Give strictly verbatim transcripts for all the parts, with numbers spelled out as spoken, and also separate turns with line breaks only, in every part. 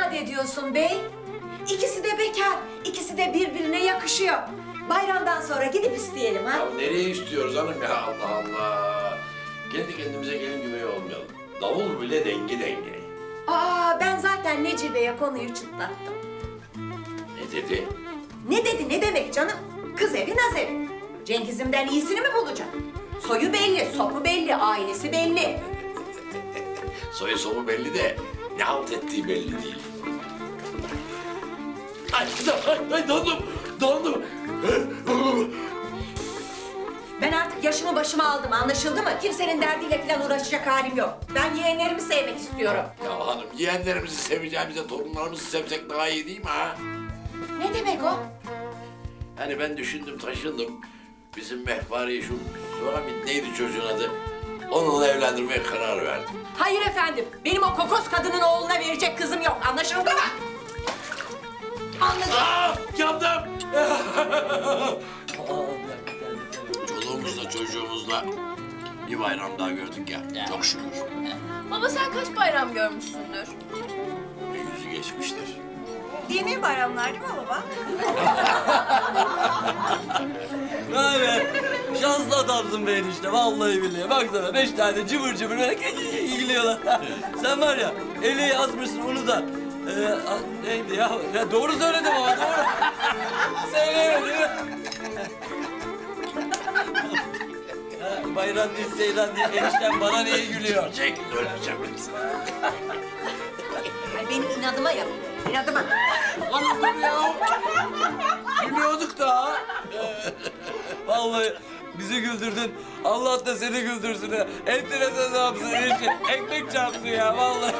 inat ediyorsun bey? İkisi de bekar, ikisi de birbirine yakışıyor. Bayramdan sonra gidip isteyelim ha.
Ya nereye istiyoruz hanım ya, Allah Allah. Kendi kendimize gelin güvey olmayalım. Davul bile denge denge.
Aa, ben zaten Necibe'ye konuyu çıtlattım.
Ne dedi?
Ne dedi, ne demek canım? Kız evi, naz evi. Cengiz'imden iyisini mi bulacak? Soyu belli, sopu belli, ailesi belli.
Soyu somu belli de ne halt ettiği belli değil. Ay, ay, ay dondum, dondum.
Ben artık yaşımı başıma aldım, anlaşıldı mı? Kimsenin derdiyle falan uğraşacak halim yok. Ben yeğenlerimi sevmek istiyorum.
Ya hanım, yeğenlerimizi seveceğimize torunlarımızı sevsek daha iyi değil mi ha?
Ne demek o?
Hani ben düşündüm, taşındım. Bizim Mehpare şu Suhamit neydi çocuğun adı? Onunla evlendirmeye karar verdim.
Hayır efendim, benim o kokos kadının oğluna verecek kızım yok, anlaşıldı mı? Anladım.
Aa, yandım! Çoluğumuzla çocuğumuzla bir bayram daha gördük ya, çok şükür.
Baba sen kaç bayram görmüşsündür?
Bir yüzü geçmiştir.
Dini bayramlar değil mi baba?
Vay be! Şanslı adamsın be enişte, vallahi billahi. Baksana beş tane cıvır cıvır böyle gülüyorlar. Sen var ya, eli yazmışsın onu da. Ee, a- neydi ya? Ya doğru söyledim ama doğru. Söylemedim. Ha, bayram değil, seyran değil. Eniştem bana niye gülüyor?
Çekil, öleceğim ben sana.
Ay benim inadıma yap, inadıma.
Hanım dur ya! Gülüyorduk da.
Vallahi bizi güldürdün. Allah da seni güldürsün ha. Enteresan ne yapsın enişte? Ekmek çarpsın ya vallahi.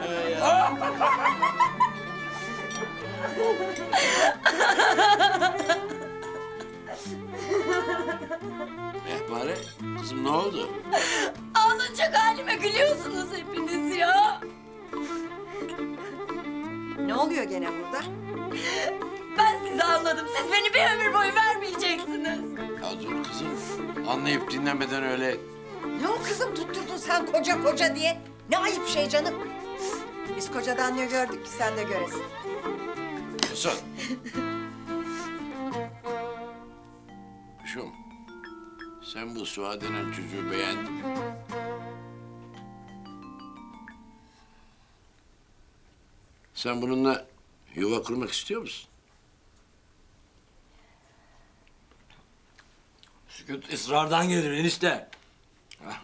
Mehpare, kızım ne oldu?
Ağlanacak halime gülüyorsunuz hepiniz ya.
Ne oluyor gene burada?
Ben sizi anladım. Siz beni bir ömür boyu vermeyeceksiniz.
Ya dur kızım, anlayıp dinlemeden öyle...
Ne o kızım tutturdun sen koca koca diye? Ne ayıp şey canım. Biz kocadan ne gördük ki sen de göresin.
Kızım. Kuşum, sen bu Suha denen çocuğu beğendin mi? Sen bununla yuva kurmak istiyor musun?
Sükut ısrardan gelir enişte.
Ha?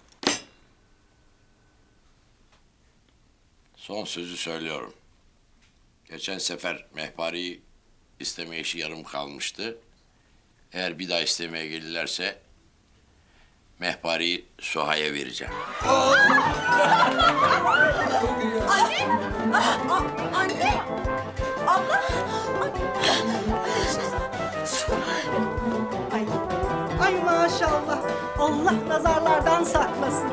Son sözü söylüyorum. Geçen sefer Mehpare'yi isteme işi yarım kalmıştı. Eğer bir daha istemeye gelirlerse Mehpare'yi Suha'ya vereceğim.
Anne! Ah, ah, anne! Abla!
Ay, ay maşallah. Allah nazarlardan saklasın.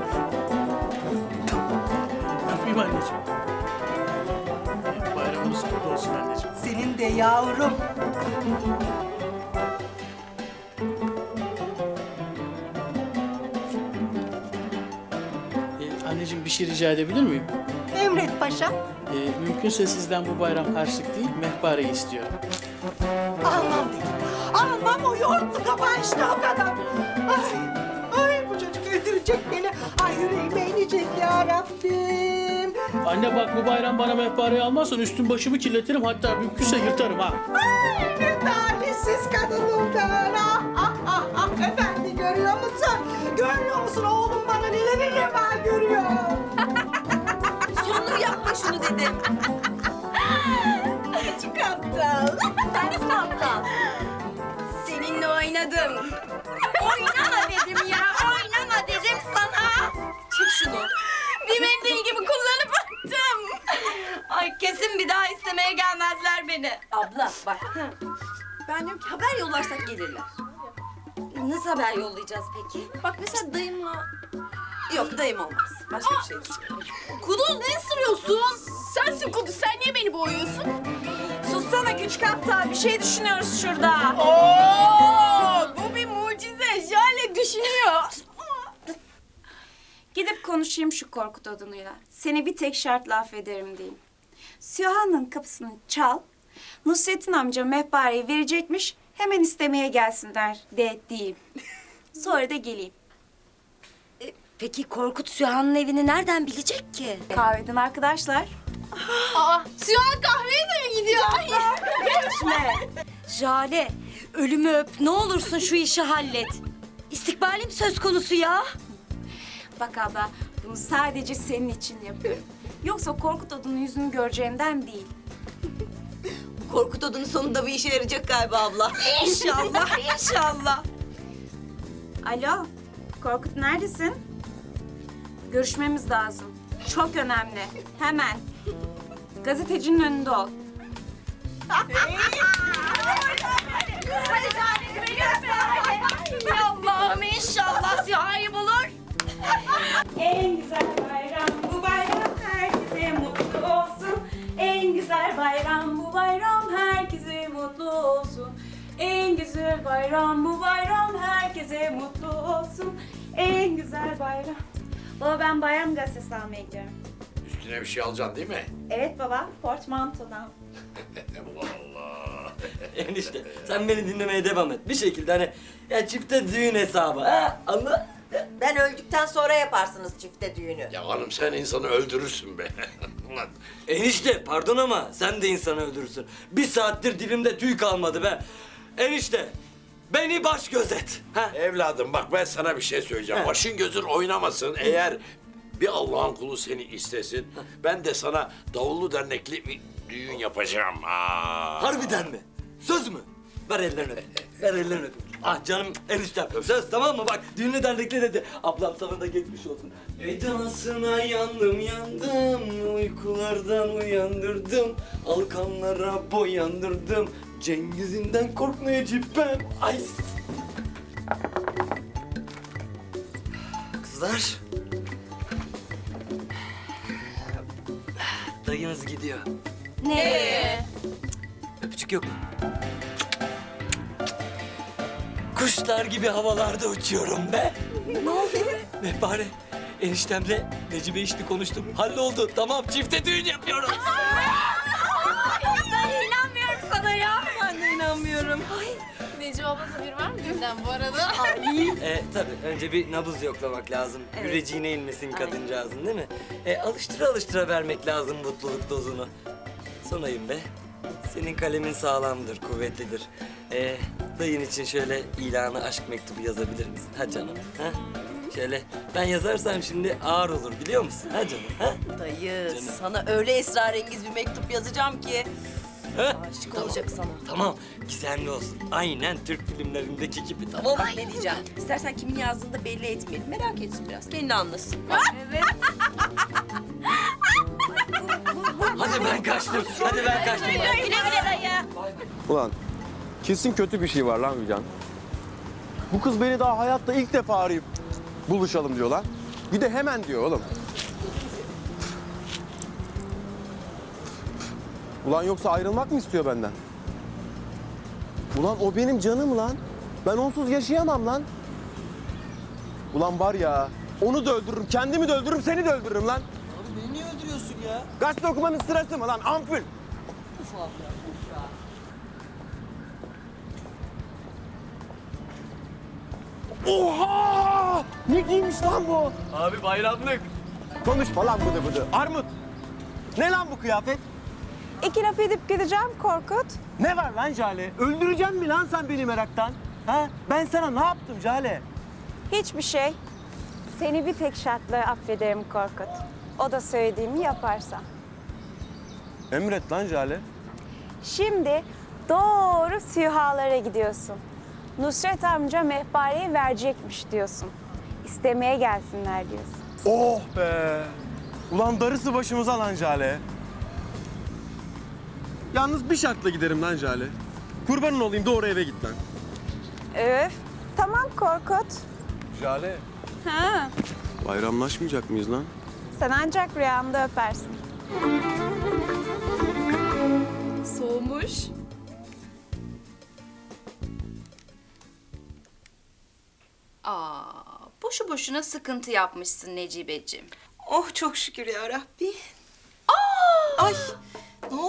Yapayım anneciğim. Bayramınız kutlu olsun anneciğim.
Senin de yavrum.
Ee, anneciğim bir şey rica edebilir miyim?
Emret paşam.
Ee, mümkünse sizden bu bayram harçlık değil, mehpareyi istiyorum.
Almam dedim. Almam o yoğurtlu kabağı işte o kadar. Ay, ay bu çocuk öldürecek beni. Ay yüreğime inecek ya Rabbim.
Anne bak bu bayram bana mehpareyi almazsan üstüm başımı kirletirim, hatta mümkünse yırtarım ha.
Ay ne talihsiz kadınım ben. Ah, ah, ah, ah. Efendi görüyor musun? Görüyor musun oğlum bana neleri reva görüyor.
Sonunu yapma şunu dedim.
Çok aptal.
Sensin aptal. Seninle oynadım. Oynama dedim ya. Oynama dedim sana. Çek şunu. Bir mendil gibi kullanıp attım. Ay kesin bir daha istemeye gelmezler beni.
Abla bak. Ben diyorum ki haber yollarsak gelirler.
Nasıl haber yollayacağız peki?
Bak mesela dayımla... Yok dayım olmaz. Başka bir şey düşünüyorum.
Kuduz ne ısırıyorsun? Sensin Kuduz. Sen niye beni boğuyorsun?
Sussana küçük aptal. Bir şey düşünüyoruz şurada.
Oo, bu bir mucize. Jale düşünüyor.
Gidip konuşayım şu Korkut adamıyla. Seni bir tek şartla affederim diyeyim.
Süha'nın kapısını çal. Nusret'in amca mehpareyi verecekmiş. Hemen istemeye gelsinler de diyeyim. Sonra da geleyim.
E, peki Korkut Süha'nın evini nereden bilecek ki?
Kahveden arkadaşlar.
Aa, Süha kahveye de mi gidiyor? Geçme. Jale, ölümü öp. Ne olursun şu işi hallet. İstikbalim söz konusu ya.
Bak abla, bunu sadece senin için yapıyorum. Yoksa Korkut adının yüzünü göreceğinden değil.
Korkut odunun sonunda bir işe yarayacak galiba abla.
İnşallah, inşallah. Alo, Korkut neredesin? Görüşmemiz lazım. Çok önemli. Hemen. Gazetecinin önünde ol.
Allah'ım inşallah Süha'yı bulur.
En güzel bayram bu bayram, herkese mutlu olsun. En güzel bayram bu bayram, herkese mutlu olsun. En güzel bayram bu bayram, herkese mutlu olsun. En güzel bayram. Baba ben bayram gazetesi almaya gidiyorum.
Üstüne bir şey alacaksın değil mi?
Evet baba, portmantodan.
Allah Allah.
Enişte sen beni dinlemeye devam et. Bir şekilde hani ya çifte düğün hesabı ha anla.
Ben öldükten sonra yaparsınız çifte düğünü.
Ya hanım sen insanı öldürürsün be. Ulan
Enişte pardon ama sen de insanı öldürürsün. Bir saattir dilimde tüy kalmadı be. Enişte beni baş gözet. Ha?
evladım bak ben sana bir şey söyleyeceğim.
He.
Başın gözün oynamasın. Eğer bir Allah'ın kulu seni istesin, ben de sana davullu dernekli bir düğün yapacağım. Aa.
Harbiden mi? Söz mü? Ver ellerini öpeyim. Ver ellerini öpeyim. Ah canım eniştem. Söz tamam mı? Bak düğünü dernekli dedi. Ablam sana da geçmiş olsun. Edasına yandım yandım. Uykulardan uyandırdım. Alkanlara boyandırdım. Cengiz'inden korkmayacağım ben. Ay. Kızlar. Dayınız gidiyor.
Ne?
Öpücük yok mu? Kuşlar gibi havalarda uçuyorum be.
Ne oldu?
Mehpare, eniştemle Necibe işli konuştum. Halloldu. Tamam, çifte düğün yapıyoruz.
Ben inanmıyorum sana ya.
Ben de inanmıyorum.
Necip abla haberi var mı düğünden bu arada?
e, tabii önce bir nabız yoklamak lazım. Yüreceğine inmesin kadıncağızın değil mi? E, alıştıra alıştıra vermek lazım mutluluk dozunu. Sonayım be. Senin kalemin sağlamdır, kuvvetlidir. E, dayın için şöyle ilanı aşk mektubu yazabilir misin? Ha canım, ha? Şöyle ben yazarsam şimdi ağır olur biliyor musun? Ha canım, ha?
Dayı
Canım.
sana öyle esrarengiz bir mektup yazacağım ki.
Ha?
Aşık olacak sana.
Tamam, gizemli olsun. Aynen Türk filmlerindeki gibi, tamam mı?
Bak ne diyeceğim. İstersen kimin yazdığını da belli etmeyelim. Merak etsin biraz. Kendi anlasın.
Hadi ben kaçtım, hadi ben kaçtım.
Güle güle dayı.
Ulan kesin kötü bir şey var lan Hülyan. Bu kız beni daha hayatta ilk defa arayıp buluşalım diyor lan. Bir de hemen diyor oğlum. Ulan yoksa ayrılmak mı istiyor benden? Ulan o benim canım lan. Ben onsuz yaşayamam lan. Ulan var ya onu da öldürürüm, kendimi de öldürürüm, seni de öldürürüm lan.
Abi beni niye öldürüyorsun ya?
Gazete okumanın sırası mı lan ampul? Oha! Ne giymiş lan bu?
Abi bayramlık.
Konuşma lan bıdı bıdı. Armut! Ne lan bu kıyafet?
İki laf edip gideceğim Korkut.
Ne var lan Jale? Öldüreceksin mi lan sen beni meraktan? Ha? Ben sana ne yaptım Jale?
Hiçbir şey. Seni bir tek şartla affederim Korkut. O da söylediğimi yaparsan.
Emret lan Jale.
Şimdi doğru Sühalara gidiyorsun. Nusret amca mehpareyi verecekmiş diyorsun. İstemeye gelsinler diyorsun.
Oh be! Ulan darısı başımıza lan Jale. Yalnız bir şartla giderim lan Jale. Kurbanın olayım doğru eve git lan.
Öf. Tamam Korkut.
Jale.
Ha.
Bayramlaşmayacak mıyız lan?
Sen ancak rüyamda öpersin.
Soğumuş. Aa, boşu boşuna sıkıntı yapmışsın Necibeciğim.
Oh çok şükür ya Rabbi. Aa! Ay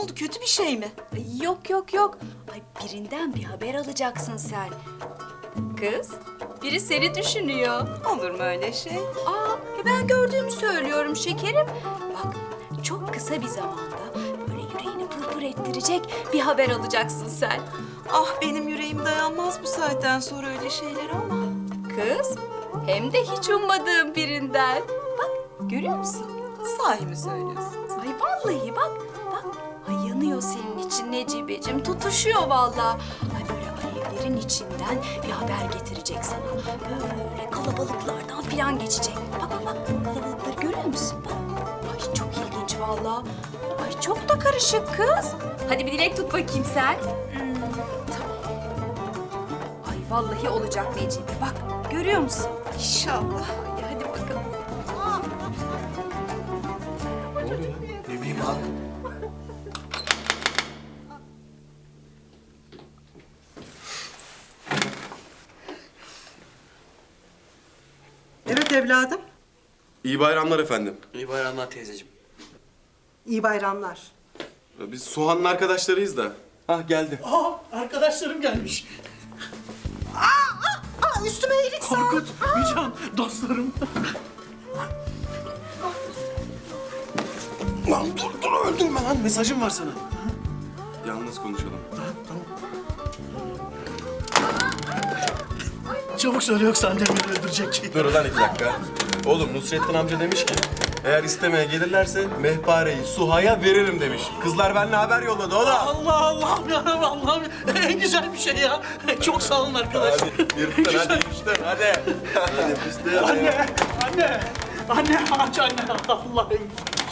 oldu? Kötü bir şey mi?
Ay, yok yok yok. Ay birinden bir haber alacaksın sen. Kız, biri seni düşünüyor.
Olur mu öyle şey?
Aa, e ben gördüğümü söylüyorum şekerim. Bak, çok kısa bir zamanda böyle yüreğini pırpır ettirecek bir haber alacaksın sen.
Ah benim yüreğim dayanmaz bu saatten sonra öyle şeyler ama.
Kız, hem de hiç ummadığım birinden. Bak, görüyor musun?
Sahi mi söylüyorsun?
Ay vallahi bak, bak. Ay yanıyor senin için Necibeciğim, tutuşuyor vallahi. Ay böyle alevlerin içinden bir haber getirecek sana. Böyle kalabalıklardan filan geçecek. Bak bak bak, kalabalıkları görüyor musun? Bak. Ay çok ilginç vallahi. Ay çok da karışık kız. Hadi bir dilek tut bakayım sen. Hmm, tamam. Ay vallahi olacak Necibe. Bak görüyor musun?
İnşallah.
Ay, hadi bakalım.
Ne bileyim abi.
Evet evladım.
İyi bayramlar efendim.
İyi bayramlar teyzeciğim.
İyi bayramlar.
Biz Suhan'ın arkadaşlarıyız da. Hah geldi.
Aa, arkadaşlarım gelmiş.
Aa üstüme iyilik sağlık.
Korkut, Mücan, dostlarım.
Lan dur dur öldürme lan. Mesajım var sana. Yalnız konuşalım.
Çabuk söyle yoksa annem beni öldürecek.
Dur lan iki dakika. Oğlum Nusrettin amca demiş ki eğer istemeye gelirlerse Mehpare'yi Suha'ya veririm demiş. Kızlar benimle haber yolladı o da.
Allah Allah'ım yarabbim Allah'ım. En güzel bir şey ya. Çok sağ olun arkadaşlar.
Hadi yırttın hadi yırttın hadi. Hadi biz de
Anne, anne, anne aç anne. Allah'ım.